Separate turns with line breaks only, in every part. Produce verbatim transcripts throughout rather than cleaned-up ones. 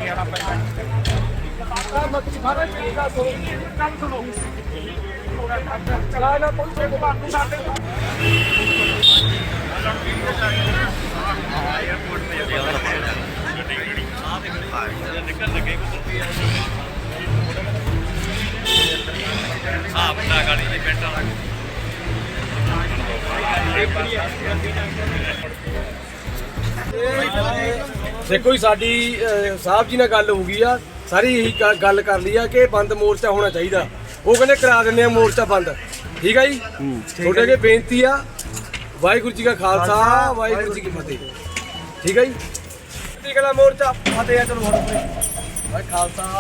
देखो जी साडी साहब जी नाल गल हो गई आ सारी यही गल कर ली आ कि बंद मोर्चा होना चाहिए। वो कहने करा देने मोर्चा बंद। ठीक है जी, थोड़े अगे बेनती आ वाहिगुरू जी का खालसा वाहिगुरू जी की फतेह। ठीक है जी, गला मोर्चा फतेह। चलो भाई खालसा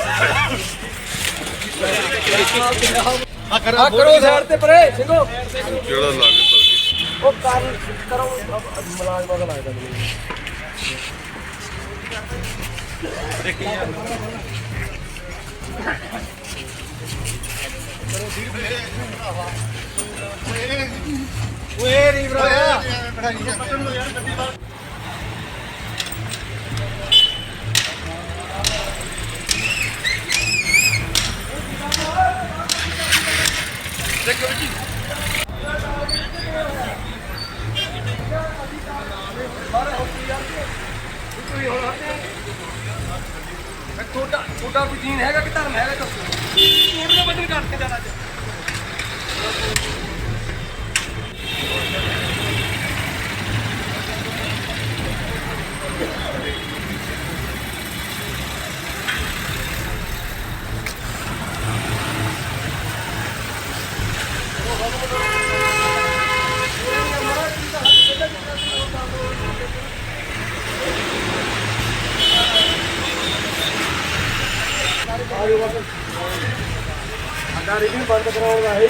करो साइड ते परे सिंघो जेड़ा लागे ओ कर करो मुलाजमा का लगदा नहीं देखिए यार करो धीरे धीरे ओए री ब्रो बटन लो यार गड्डी बाहर देखो जी बारे होती यार कोई हो छोटा छोटा भी दीन हैगा कि धर्म हैगा दसो छोटा बदल करके जाना चाहिए। रिव्यू बंद कराओगा है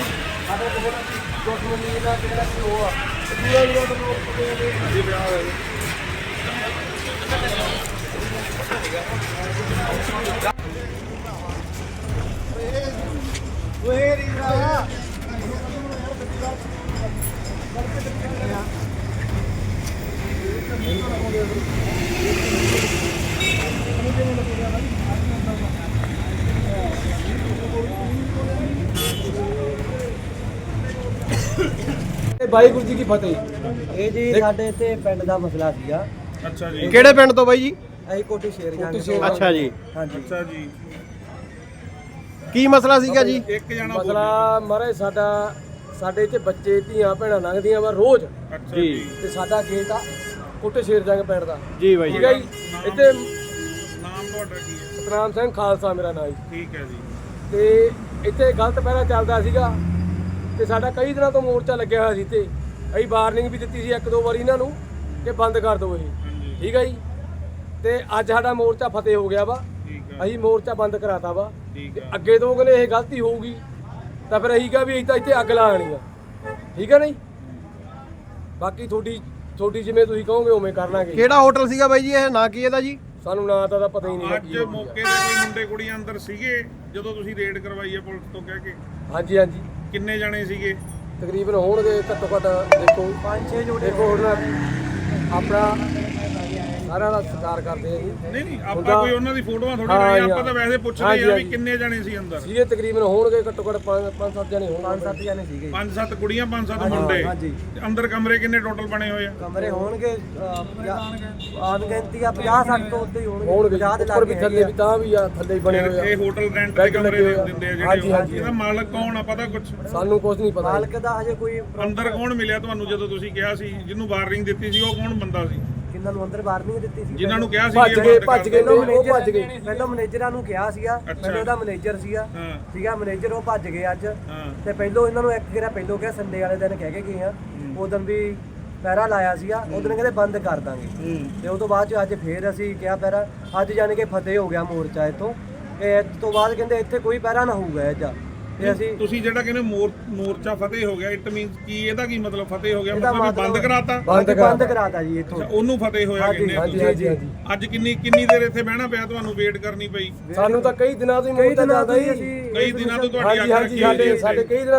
ਵਾਹਿਗੁਰੂ ਜੀ ਕੀ ਫਤਿਹ।
ਇਹ ਜੀ ਸਾਡੇ ਇੱਥੇ ਪਿੰਡ ਦਾ ਮਸਲਾ ਸੀਗਾ।
ਅੱਛਾ ਜੀ,
ਕਿਹੜੇ ਪਿੰਡ ਤੋਂ ਬਾਈ ਜੀ?
ਅਸੀਂ ਕੋਟੀ ਸ਼ੇਰ ਜਾਂਦੇ।
ਅੱਛਾ ਜੀ,
ਹਾਂਜੀ।
ਅੱਛਾ ਜੀ,
ਕੀ ਮਸਲਾ ਸੀਗਾ ਜੀ?
ਇੱਕ ਜਣਾ ਮਸਲਾ ਮਹਾਰਾਜ ਸਾਡਾ ਸਾਡੇ ਇੱਥੇ ਬੱਚੇ ਧੀਆਂ ਭੈਣਾਂ ਲੰਘਦੀਆਂ ਵਾ ਰੋਜ਼।
ਅੱਛਾ ਜੀ, ਤੇ
ਸਾਡਾ ਖੇਤ ਆ ਕੋਟੇ ਸ਼ੇਰ ਜੰਗ ਪਿੰਡ ਦਾ।
ਜੀ ਬਾਈ
ਠੀਕ ਹੈ ਜੀ। ਇੱਥੇ
ਨਾਮ ਤੁਹਾਡਾ ਕੀ ਹੈ?
ਸਤਨਾਮ ਸਿੰਘ ਖਾਲਸਾ ਮੇਰਾ ਨਾਮ ਜੀ।
ਠੀਕ ਹੈ ਜੀ।
ਤੇ ਇੱਥੇ ਗਲਤ ਪਹਿਰਾ ਚੱਲਦਾ ਸੀਗਾ ਤੇ ਸਾਡਾ ਕਈ ਦਿਨਾਂ ਤੋਂ ਮੋਰਚਾ ਲੱਗਿਆ ਹੋਇਆ ਸੀ ਤੇ ਅਸੀਂ ਵਾਰਨਿੰਗ ਵੀ ਦਿੱਤੀ ਸੀ ਇੱਕ ਦੋ ਵਾਰੀ ਇਹਨਾਂ ਨੂੰ ਕਿ ਬੰਦ ਕਰ ਦਿਓ ਇਹ। ਠੀਕ ਹੈ ਜੀ, ਤੇ ਅੱਜ ਸਾਡਾ ਮੋਰਚਾ ਫਤਿਹ ਹੋ ਗਿਆ ਵਾ। ਅਸੀਂ ਮੋਰਚਾ ਬੰਦ ਕਰਾਤਾ ਵਾ। ਤੇ ਅੱਗੇ ਤੋਂ ਕਹਿੰਦੇ ਇਹ ਗਲਤੀ ਹੋਊਗੀ ਤਾਂ ਫਿਰ ਅਸੀਂ ਕਿਹਾ ਵੀ ਅਸੀਂ ਤਾਂ ਇੱਥੇ ਅੱਗ ਲਾ ਆਣੀ ਆ। ਠੀਕ ਹੈ ਨਹੀਂ, ਬਾਕੀ ਤੁਹਾਡੀ ਤੁਹਾਡੀ ਜਿਵੇਂ ਤੁਸੀਂ ਕਹੋਗੇ ਉਵੇਂ ਕਰ ਲਾਂਗੇ।
ਕਿਹੜਾ ਹੋਟਲ ਸੀਗਾ ਬਾਈ ਜੀ ਇਹ? ਨਾਂ ਕੀ ਇਹਦਾ ਜੀ?
ਸਾਨੂੰ ਨਾਂ ਤਾਂ ਪਤਾ ਹੀ ਨਹੀਂ।
ਅੱਜ ਮੌਕੇ ਤੇ ਕੋਈ ਮੁੰਡੇ ਕੁੜੀਆਂ ਅੰਦਰ ਸੀਗੇ ਜਦੋਂ ਤੁਸੀਂ ਰੇਡ ਕਰਵਾਈ ਹੈ ਪੁਲਿਸ ਤੋਂ ਕਹਿ ਕੇ?
ਹਾਂਜੀ ਹਾਂਜੀ।
ਕਿੰਨੇ ਜਣੇ ਸੀਗੇ
ਤਕਰੀਬਨ ਹੋਣਗੇ ਘੱਟੋ ਘੱਟ ਦੇਖੋ
ਪੰਜ ਛੇ ਜੋੜੇ।
ਦੇਖੋ ਹੁਣ ਆਪਣਾ ਸਾਰਿਆਂ ਦਾ ਸਤਿਕਾਰ ਕਰਦੇ ਆ ਜੀ।
ਨਹੀਂ ਨਹੀਂ ਆਪਾਂ ਕੋਈ ਉਹਨਾਂ ਦੀ ਫੋਟੋਆਂ ਥੋੜੀ ਨਹੀਂ, ਆਪਾਂ ਤਾਂ ਵੈਸੇ ਪੁੱਛਦੇ ਆ ਵੀ ਕਿੰਨੇ ਜਣੇ ਸੀ ਅੰਦਰ?
ਸੀਗੇ ਤਕਰੀਬਨ ਹੋਣਗੇ ਘੱਟੋ ਘੱਟ ਪੰਜ ਪੰਜ ਸੱਤ ਜਣੇ ਹੋਣਗੇ।
ਪੰਜ ਸੱਤ ਜਣੇ ਸੀਗੇ।
ਪੰਜ ਸੱਤ ਕੁੜੀਆਂ ਪੰਜ ਸੱਤ ਮੁੰਡੇ।
ਹਾਂਜੀ।
ਅੰਦਰ ਕਮਰੇ ਕਿੰਨੇ ਟੋਟਲ ਬਣੇ ਹੋਏ ਆ?
ਕਮਰੇ ਹੋਣਗੇ ਅਨਗਿਣਤੀ ਆ ਪੰਜਾਹ ਸੱਠ ਤੋਂ ਉੱਤੇ ਹੀ ਹੋਣਗੇ।
ਹੋਣਗੇ
ਪੰਜਾਹ ਦੇ
ਉੱਪਰ ਵੀ
ਲਾਗੇ
ਥੱਲੇ ਵੀ ਤਾਂ ਵੀ ਆ ਥੱਲੇ ਹੀ ਬਣੇ ਹੋਏ ਆ।
ਇਹ ਹੋਟਲ ਰੈਂਟ ਤੇ ਕਮਰੇ ਦਿੰਦੇ ਆ
ਹਾਂਜੀ,
ਜਿਹੜੇ?
ਹਾਂਜੀ।
ਇਹਦਾ ਮਾਲਕ ਕੌਣ ਆ ਪਤਾ ਕੁਝ?
ਸਾਨੂੰ ਕੁਝ ਨਹੀਂ ਪਤਾ।
ਮਾਲਕ ਦਾ ਹਜੇ ਕੋਈ
ਅੰਦਰ ਕੌਣ ਮਿਲਿਆ ਤੁਹਾਨੂੰ ਜਦੋਂ ਤੁਸੀਂ ਕਿਹਾ ਸੀ? ਜਿਹਨੂੰ ਵਾਰਨਿੰਗ ਦਿੱਤੀ ਸੀ ਉਹ ਕੌਣ ਬੰਦਾ ਸੀ?
ਕਿੰਨਾਂ ਨੂੰ ਅੰਦਰ ਵਾਰਨਿੰਗ ਦਿੱਤੀ ਸੀ?
ਜਿਨ੍ਹਾਂ ਨੂੰ ਕਿਹਾ ਸੀ
ਭੱਜ ਗਏ ਭੱਜ ਗਏ ਉਹ ਭੱਜ ਗਏ।
ਪਹਿਲਾਂ ਮੈਨੇਜਰਾਂ ਨੂੰ ਕਿਹਾ ਸੀਗਾ, ਪਹਿਲਾਂ ਉਹਦਾ ਮੈਨੇਜਰ ਸੀਗਾ। ਸੀਗਾ ਮੈਨੇਜਰ, ਉਹ ਭੱਜ ਗਏ ਅੱਜ। ਤੇ ਪਹਿਲਾਂ ਇਹਨਾਂ ਨੂੰ ਇੱਕ ਗੇਰਾ ਪਹਿਲਾਂ ਕਿਹਾ ਸੰਡੇ ਵਾਲੇ ਦਿਨ ਕਹਿ ਕੇ ਗਏ ਆ। ਉਦੋਂ ਵੀ ਪਹਿਰਾ ਲਾਇਆ ਸੀਗਾ, ਉਦੋਂ ਕਹਿੰਦੇ ਬੰਦ ਕਰ ਦਾਂਗੇ। ਤੇ ਉਸ ਤੋਂ ਬਾਅਦ ਚ ਅੱਜ ਫੇਰ ਅਸੀਂ ਕਿਹਾ ਪਹਿਰਾ। ਅੱਜ ਜਾਣ ਕੇ ਫਤਿਹ ਹੋ ਗਿਆ ਮੋਰਚਾ ਇੱਥੋਂ। ਤੇ ਇਸ ਤੋਂ ਬਾਅਦ ਕਹਿੰਦੇ ਇੱਥੇ ਕੋਈ ਪਹਿਰਾ ਨਾ ਹੋਊਗਾ ਅੱਜ। ਤੇ ਅਸੀਂ
ਤੁਸੀਂ ਜਿਹੜਾ ਕਹਿੰਦੇ ਮੋਰਚਾ ਫਤਿਹ ਹੋ ਗਿਆ, ਇਟ ਮੀਨਸ ਕੀ? ਇਹਦਾ ਕੀ ਮਤਲਬ ਫਤਿਹ ਹੋ ਗਿਆ? ਮਤਲਬ ਬੰਦ ਕਰਾਤਾ?
ਬੰਦ ਕਰਾਤਾ ਜੀ ਇੱਥੋਂ।
ਉਹਨੂੰ ਫਤਿਹ ਹੋਇਆ ਕਹਿੰਦੇ ਆ ਤੁਸੀਂ? ਅੱਜ ਕਿੰਨੀ ਕਿੰਨੀ ਦੇਰ ਇੱਥੇ ਬਹਿਣਾ ਪਿਆ ਤੁਹਾਨੂੰ? ਵੇਟ ਕਰਨੀ ਪਈ?
ਸਾਨੂੰ ਤਾਂ ਕਈ ਦਿਨਾਂ ਤੋਂ ਹੀ ਮੋਰਚਾ ਚੱਲਦਾ ਜੀ।
ਕਈ ਦਿਨਾਂ ਤੋਂ ਤੁਹਾਡੀ
ਹਾਂਜੀ ਹਾਂਜੀ ਸਾਡੇ ਸਾਡੇ ਕਈ ਦਿਨਾਂ ਤੋਂ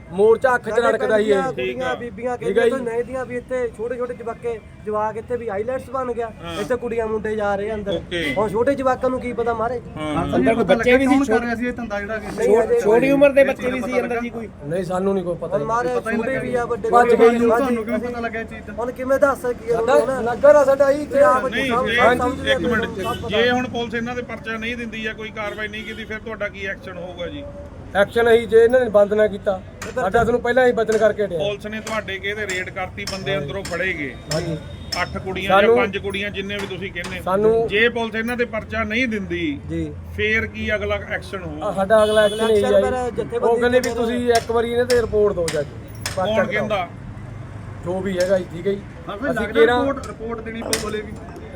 ਮੋਰਚਾ ਅੱਖ 'ਚ ਰੜਕਦਾ ਹੀ ਇਹ
ਕੁੜੀਆਂ ਬੀਬੀਆਂ
ਠੀਕ ਹੈ
ਕਹਿੰਦੇ
ਜੀ।
ਨਹੀਂ ਦੀਆਂ ਵੀ ਇੱਥੇ ਛੋਟੇ ਛੋਟੇ ਜਵਾਕੇ ਜਵਾਕ ਇੱਥੇ ਵੀ ਆਈਲੈਟਸ ਬਣ ਗਿਆ ਇੱਥੇ ਕੁੜੀਆਂ ਮੁੰਡੇ ਜਾ ਰਹੇ ਅੰਦਰ
Okay।
ਹੁਣ ਛੋਟੇ ਜਵਾਕਾਂ ਨੂੰ ਕੀ ਪਤਾ ਮਾਰੇ
ਅੰਦਰ ਕੋਈ ਬੱਚੇ ਵੀ ਸੀ ਕਰ ਰਿਹਾ ਸੀ ਇਹ ਧੰਦਾ ਜਿਹੜਾ ਛੋਟੀ ਉਮਰ ਦੇ ਬੱਚੇ ਵੀ ਸੀ ਅੰਦਰ ਜੀ ਕੋਈ
ਨਹੀਂ ਸਾਨੂੰ ਨਹੀਂ ਕੋਈ ਪਤਾ
ਹੁਣ ਮਾਰੇ ਛੋਟੇ ਵੀ ਆ ਵੱਡੇ
ਭੱਜ ਗਏ ਜੀ।
ਤੁਹਾਨੂੰ ਕਿਵੇਂ ਪਤਾ ਲੱਗਿਆ ਇਹ ਚੀਜ਼ ਦਾ
ਹੁਣ ਕਿਵੇਂ ਦੱਸ ਸਕੀਏ
ਸਾਡਾ ਨਗਰ ਆ ਸਾਡਾ ਹੀ ਇੱਥੇ ਆਪ
ਨਹੀਂ ਜੇ ਇੱਕ ਮਿੰਟ ਜੇ ਹੁਣ ਪੁਲਿਸ ਇਹਨਾਂ ਦੇ ਪਰਚਾ ਨਹੀਂ ਦਿੰਦੀ ਜਾਂ ਕੋਈ ਕਾਰਵਾਈ ਨਹੀਂ ਕੀਤੀ ਫਿਰ ਤੁਹਾਡਾ ਕੀ ਐਕਸ਼ਨ ਹੋਊਗਾ ਜੀ?
ਐਕਸ਼ਨ ਅਸੀਂ ਜੇ ਇਹਨਾਂ ਨੇ ਬੰਦ ਨਾ ਕੀਤਾ ਸਾਡਾ ਤੁਹਾਨੂੰ ਪਹਿਲਾਂ ਹੀ ਬਚਨ ਕਰਕੇ ਹਟਿਆ
ਪੁਲਿਸ ਨੇ ਤੁਹਾਡੇ ਕਿਹਦੇ ਰੇਡ ਕਰਤੀ ਬੰਦੇ ਅੰਦਰੋਂ ਫੜੇ ਗਏ
ਹਾਂਜੀ
ਅੱਠ ਕੁੜੀਆਂ ਜਾਂ
ਸਾਨੂੰ-
ਪੰਜ ਕੁੜੀਆਂ ਜਿੰਨੇ ਵੀ ਤੁਸੀਂ ਕਹਿੰਦੇ
ਸਾਨੂੰ-
ਜੇ ਪੁਲਿਸ ਇਹਨਾਂ ਦੇ ਪਰਚਾ ਨਹੀਂ ਦਿੰਦੀ
ਜੀ
ਫੇਰ ਕੀ ਅਗਲਾ ਐਕਸ਼ਨ
ਆਹ
ਹੋਊਗਾ?
ਸਾਡਾ ਅਗਲਾ ਐਕਸ਼ਨ ਇਹ
ਅਕਸਰ ਫਿਰ
ਹੈ ਜੀ।
ਜਥੇਬੰਦੀ
ਉਹ ਕਹਿੰਦੇ ਵੀ
ਦੇ
ਤੁਸੀਂ ਇੱਕ ਵਾਰੀ ਇਹਨਾਂ ਤੇ ਰਿਪੋਰਟ ਦਿਓ ਜੱਜ
ਕੌਣ ਕਹਿੰਦਾ?
ਜੋ ਵੀ ਹੈਗਾ ਜੀ ਠੀਕ ਹੈ ਜੀ ਅਸੀਂ
ਲੱਗਦਾ
ਕਿਹੜਾ
ਰਿਪੋਰਟ ਰਿਪੋਰਟ ਦੇਣੀ ਪਊ ਬੋਲੇਗੀ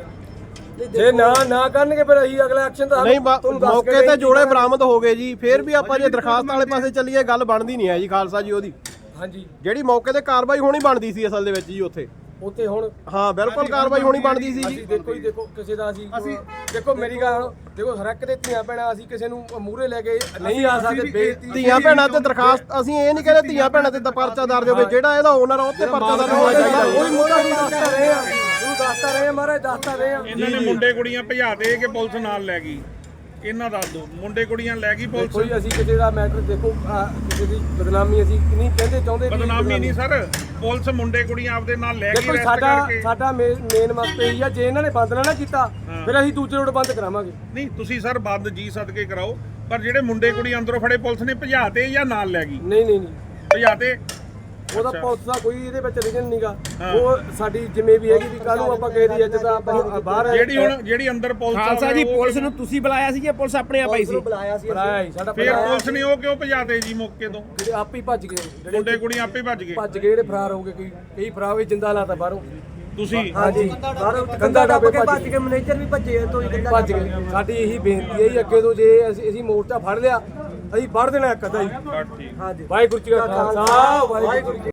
ਜੇ ਨਾ ਨਾ ਕਰਨਗੇ ਫਿਰ ਅਸੀਂ ਅਗਲਾ ਐਕਸ਼ਨ ਤਾਂ
ਨਹੀਂ ਬਾ-
ਤੁਹਾਨੂੰ ਦੱਸ ਕੇ
ਮੌਕੇ ਤੇ
ਗਏ
ਜੋੜੇ ਬਰਾਮਦ ਹੋ ਗਏ ਜੀ ਫੇਰ ਵੀ ਆਪਾਂ ਜੇ ਦਰਖਾਸਤ ਵਾਲੇ ਪਾਸੇ ਚੱਲੀਏ ਗੱਲ ਬਣਦੀ ਨਹੀਂ ਹੈ ਜੀ ਖਾਲਸਾ ਜੀ ਉਹਦੀ
ਹਾਂਜੀ
ਜਿਹੜੀ ਮੌਕੇ ਤੇ ਕਾਰਵਾਈ ਹੋਣੀ ਬਣਦੀ ਸੀ ਅਸਲ ਦੇ ਵਿੱਚ ਜੀ ਉੱਥੇ
ਉੱਥੇ ਹੁਣ
ਹਾਂ ਬਿਲਕੁਲ ਕਾਰਵਾਈ ਹੋਣੀ ਬਣਦੀ ਸੀ ਜੀ
ਅਸੀਂ ਦੇਖੋ ਜੀ ਦੇਖੋ ਕਿਸੇ ਦਾ ਅਸੀਂ ਦੇਖੋ ਮੇਰੀ ਗੱਲ ਦੇਖੋ ਹਰ ਇੱਕ ਦੇ ਧੀਆਂ ਭੈਣਾਂ ਅਸੀਂ ਕਿਸੇ ਨੂੰ ਮੂਹਰੇ ਲੈ ਕੇ ਨਹੀਂ ਆ ਸਕਦੇ ਬੇਇੱਜ਼ਤੀ
ਧੀਆਂ ਭੈਣਾਂ ਤੇ ਦਰਖਾਸਤ ਅਸੀਂ ਇਹ ਨਹੀਂ ਕਹਿੰਦੇ ਧੀਆਂ ਭੈਣਾਂ ਤੇ ਤਾਂ ਪਰਚਾ ਦਰਜ ਹੋਵੇ ਜਿਹੜਾ ਇਹਦਾ ਓਨਰ ਆ ਉਹ ਤੇ ਪਰਚਾ ਦਰਜ ਹੋਣਾ ਚਾਹੀਦਾ
ਉਹ ਵੀ ਮੁੱਦਾ ਨਹੀਂ ਦੱਸਦਾ ਰਹੇ ਆ ਤੁਹਾਨੂੰ ਦੱਸਦਾ ਰਹੇ ਆ ਮਹਾਰਾਜ ਦੱਸਦਾ ਰਹੇ ਆ
ਇਹਨਾਂ ਨੇ ਮੁੰਡੇ ਕੁੜੀਆਂ ਭਜਾ ਦੇ ਕੇ ਪੁਲਿਸ ਨਾਲ ਲੈ ਗਈ। ਇਹਨਾਂ ਦੱਸ ਦਿਓ ਮੁੰਡੇ ਕੁੜੀਆਂ ਲੈ ਗਈ ਪੁਲਿਸ?
ਕੋਈ ਅਸੀਂ ਕਿਸੇ ਦਾ ਮੈਟਰ ਦੇਖੋ ਆਹ ਕਿਸੇ ਦੀ ਬਦਨਾਮੀ ਅਸੀਂ ਨਹੀਂ ਕਹਿੰਦੇ ਚਾਹੁੰਦੇ ਵੀ
ਬਦਨਾਮੀ ਨਹੀਂ ਸਰ, ਪੁਲਿਸ ਮੁੰਡੇ ਕੁੜੀਆਂ ਆਪਦੇ ਨਾਲ ਲੈ ਗਈ
ਦੇਖੋ
ਰੈਸਟ
ਸਾਡਾ
ਕਰਕੇ।
ਸਾਡਾ ਮੇਨ ਮਕਸਦ ਇਹ ਆ ਜੇ ਇਹਨਾਂ ਨੇ ਬੰਦ ਨਾ ਨਾ ਕੀਤਾ ਫਿਰ ਅਸੀਂ ਦੂਜੇ ਰੋਡ ਬੰਦ ਕਰਾਵਾਂਗੇ।
ਨਹੀਂ ਤੁਸੀਂ ਸਰ ਬੰਦ ਜੀ ਸਦਕੇ ਕਰਾਓ ਪਰ ਜਿਹੜੇ ਮੁੰਡੇ ਕੁੜੀ ਅੰਦਰੋਂ ਫੜੇ ਪੁਲਿਸ ਨੇ ਭਜਾਤੇ ਜਾਂ ਨਾਲ ਲੈ ਗਈ?
ਨਹੀਂ ਨਹੀਂ ਨਹੀਂ
ਭਜਾਤੇ?
ਉਹਦਾ ਪੁਲਿਸ ਦਾ ਕੋਈ ਇਹਦੇ ਵਿੱਚ ਰਿਜਨ ਨਹੀਂਗਾ ਉਹ ਸਾਡੀ ਜਿੰਮੇ ਵੀ ਹੈਗੀ ਵੀ ਕੱਲ ਨੂੰ ਆਪਾਂ ਕਿਸੇ ਦੀ ਇੱਜ਼ਤ ਆਪਾਂ ਬਾਹਰ
ਜਿਹੜੀ ਹੁਣ ਜਿਹੜੀ ਅੰਦਰ ਪੁਲਿਸ ਆ
ਖਾਲਸਾ ਜੀ
ਉਹ-
ਪੁਲਿਸ ਨੂੰ ਤੁਸੀਂ ਬੁਲਾਇਆ ਸੀ ਜਾਂ ਪੁਲਿਸ ਆਪਣੇ ਆਪ ਆਈ ਸੀ?
ਬੁਲਾਇਆ ਸੀ
ਬੁਲਾਇਆ ਸੀ ਸਾਡਾ
ਫਿਰ ਪੁਲਿਸ ਨੇ ਉਹ ਕਿਉਂ ਭਜਾਤੇ ਜੀ ਮੌਕੇ ਤੋਂ?
ਜਿਹੜੇ ਆਪ ਹੀ ਭੱਜ ਗਏ ਜਿਹੜੇ
ਮੁੰਡੇ ਕੁੜੀਆਂ ਆਪੇ ਭੱਜ ਗਏ।
ਭੱਜ ਗਏ ਜਿਹੜੇ ਫਰਾਰ ਹੋ ਗਏ ਕਈ ਕਈ ਫਰਾਰ ਹੋਏ ਜਿੰਦਾ ਲਾਤਾ ਬਾਹਰੋਂ
ਤੁਸੀਂ
ਹਾਂਜੀ
ਬਾਹਰੋਂ ਕੰਦਾ ਟੱਪ ਕੇ ਭੱਜ ਕੇ ਮੈਨੇਜਰ ਵੀ ਭੱਜੇ ਤੋਂ ਹੀ
ਭੱਜ ਗਏ ਸਾਡੀ ਇਹੀ ਬੇਨਤੀ ਹੈ ਜੀ ਅੱਗੇ ਤੋਂ ਜੇ ਅਸੀਂ ਅਸੀਂ ਮੋਰਚਾ ਫੜ ਲਿਆ ਅਸੀਂ ਫੜ ਦੇਣਾ ਇੱਕ ਅੱਧਾ ਜੀ
ਬਸ ਠੀਕ।
ਹਾਂਜੀ
ਵਾਹਿਗੁਰੂ ਜੀ ਕਾ ਖਾਲਸਾ ਵਾਹਿਗੁਰੂ ਜੀ